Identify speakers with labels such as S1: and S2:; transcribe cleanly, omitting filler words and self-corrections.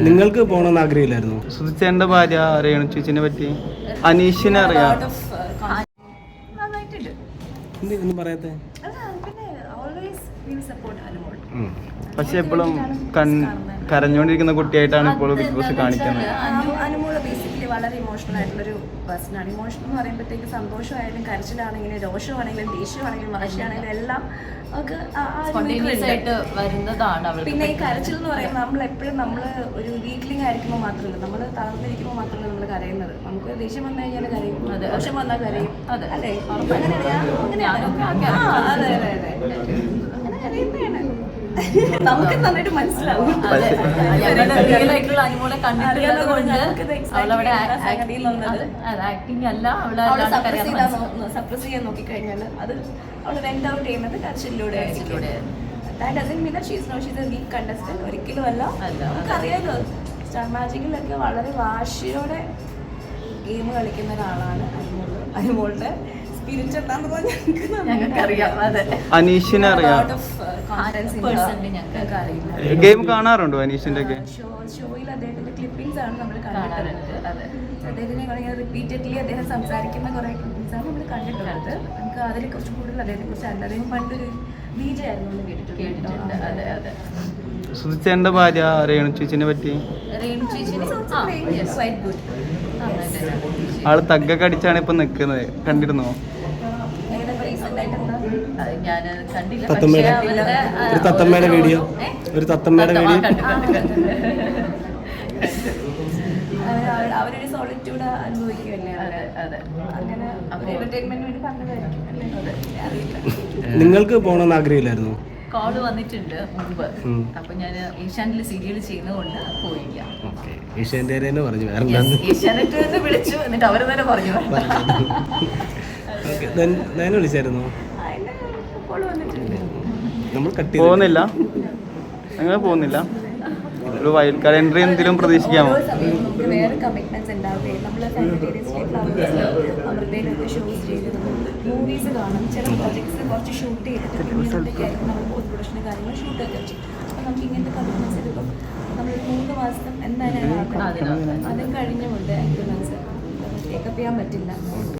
S1: നിങ്ങൾക്ക് പോകണമെന്ന് ആഗ്രഹമില്ലായിരുന്നു?
S2: സുധിച്ചേന്റെ ഭാര്യ അറിയണം ചേച്ചിനെ പറ്റി. അനീഷിനെ അറിയാം.
S1: ഒന്നും പറയാത്തെ?
S2: പക്ഷെ എപ്പോഴും കരഞ്ഞുകൊണ്ടിരിക്കുന്ന കുട്ടിയായിട്ടാണ് ഇപ്പോൾ ബിഗ് ബോസ് കാണിക്കുന്നത്.
S3: അനുമോള് ബേസിക്കലി വളരെ ഇമോഷണൽ ആയിട്ടുള്ളൊരു പേഴ്സണാണ്. ഇമോഷണൽ എന്ന് പറയുമ്പോഴത്തേക്ക് സന്തോഷമായാലും കരച്ചിലാണെങ്കിലും രോഷമാണെങ്കിലും ദേഷ്യമാണെങ്കിലും വാശിയാണെങ്കിലും എല്ലാം നമുക്ക്
S4: വരുന്നതാണ്.
S3: പിന്നെ ഈ കരച്ചിൽ എന്ന് പറയുമ്പോൾ നമ്മൾ എപ്പോഴും നമ്മൾ ഒരു വീക്ക്ലിംഗ് ആയിരിക്കുമ്പോൾ മാത്രമല്ല, നമ്മൾ തളർന്നിരിക്കുമ്പോൾ മാത്രമല്ല നമ്മൾ കരയുന്നത്. നമുക്ക് ദേഷ്യം വന്നു കഴിഞ്ഞാൽ കരയും, രോഷം വന്നാൽ കരയും, അല്ലേ? അതെ അങ്ങനെ കരയുന്നതാണ്. നമുക്ക് നന്നായിട്ട് മനസ്സിലാവും.
S4: അനുമോളെ കണ്ടിട്ടുള്ളത് കൊണ്ട് അവളവിടെ ആക്ടിങ് അല്ല,
S3: സപ്രസ് ചെയ്യാൻ നോക്കിക്കഴിഞ്ഞാൽ അത് അവൾ വെന്റ് ഔട്ട് ചെയ്യുന്നത് കരച്ചിലൂടെ. ഒരിക്കലും അല്ല. നമുക്കറിയാലോ സ്റ്റാർ മാജിക്കിലൊക്കെ വളരെ വാശിയോടെ ഗെയിം കളിക്കുന്ന ഒരാളാണ് അനുമോളുടെ സ്പിരിറ്റ് എന്താന്ന് പറഞ്ഞാൽ ഞങ്ങൾക്കറിയാം. അതെ,
S2: അനീഷിനെ അറിയാം. ഗെയിം കാണാറുണ്ടോ അനീഷിന്റെ ഒക്കെ?
S3: ഷോയിൽ അദ്ദേഹത്തിന്റെ ക്ലിപ്പിംഗ്സ് ആണ് നമ്മൾ കണ്ടിട്ടുള്ളത്. അദ്ദേഹത്തിനെ റിപ്പീറ്റഡ്ലി അദ്ദേഹം സംസാരിക്കുന്ന കുറെ ക്ലിപ്പിംഗ്സ് ആണ് നമ്മൾ കണ്ടിട്ടുള്ളത്. നമുക്ക് അതിനെ കുറിച്ച് കൂടുതൽ അദ്ദേഹത്തെ കുറിച്ച് അറിയില്ല. അദ്ദേഹം പണ്ടൊരു DJ ആയിരുന്നു കേട്ടിട്ടുണ്ട്. അതെ അതെ.
S2: സുധിച്ചേന്റെ ഭാര്യ രേണു ചേച്ചിനെ പറ്റി. ആള് തഗ്ഗൊക്കെ അടിച്ചാണ് ഇപ്പൊ നിക്കുന്നത്, കണ്ടിരുന്നോ?
S1: തത്തമ്മയുടെ വീഡിയോ
S3: അവരൊരു സോളിറ്റ്യൂഡ് അനുഭവിക്കുമല്ലേ. അങ്ങനെ എന്റർടൈൻമെന്റിന് വേണ്ടി പറഞ്ഞതായിരിക്കും അല്ലേ? അറിയില്ല.
S1: നിങ്ങൾക്ക് പോകണമെന്ന് ആഗ്രഹമില്ലായിരുന്നു?
S4: കോള് വന്നിട്ടുണ്ട് മുമ്പ്. അപ്പൊ ഞാൻ ഏഷ്യാനെറ്റിൽ സീരിയൽ ചെയ്യുന്നതുകൊണ്ട് പോയില്ല. ഏഷ്യാനെറ്റ് വിളിച്ചു, എന്നിട്ട് അവര് തന്നെ പറഞ്ഞു.
S1: വിളിച്ചായിരുന്നു?
S2: പോകുന്നില്ല, അങ്ങനെ പോകുന്നില്ല. ഒരു വൈൽഡ് കാർഡ് എൻട്രി എന്തെങ്കിലും പ്രതീക്ഷിക്കാമോ?
S3: നമുക്ക് വേറെ കമ്മിറ്റ്മെന്റ്സ് ഉണ്ടാവില്ലേ? നമ്മൾ അമൃതയിലൊക്കെ ഷോസ് ചെയ്ത് മൂവീസ് കാണും, ചില പ്രോജക്ട്സ് കുറച്ച് ഷൂട്ട് ചെയ്തിട്ട് പിന്നീടൊക്കെയായിരിക്കും നമ്മൾ പോസ്റ്റ് പ്രൊഡക്ഷൻ്റെ കാര്യങ്ങൾ ഷൂട്ടൊക്കെ ചെയ്യും. അപ്പോൾ നമുക്ക് ഇങ്ങനത്തെ കമ്മിറ്റ്മെന്റ്സ് എടുക്കും. നമ്മളൊരു 3 മാസം എന്തായാലും അതും കഴിഞ്ഞുകൊണ്ട് കമ്മിറ്റ്മെന്റ്സ് ടേക്കപ്പ് ചെയ്യാൻ പറ്റില്ല.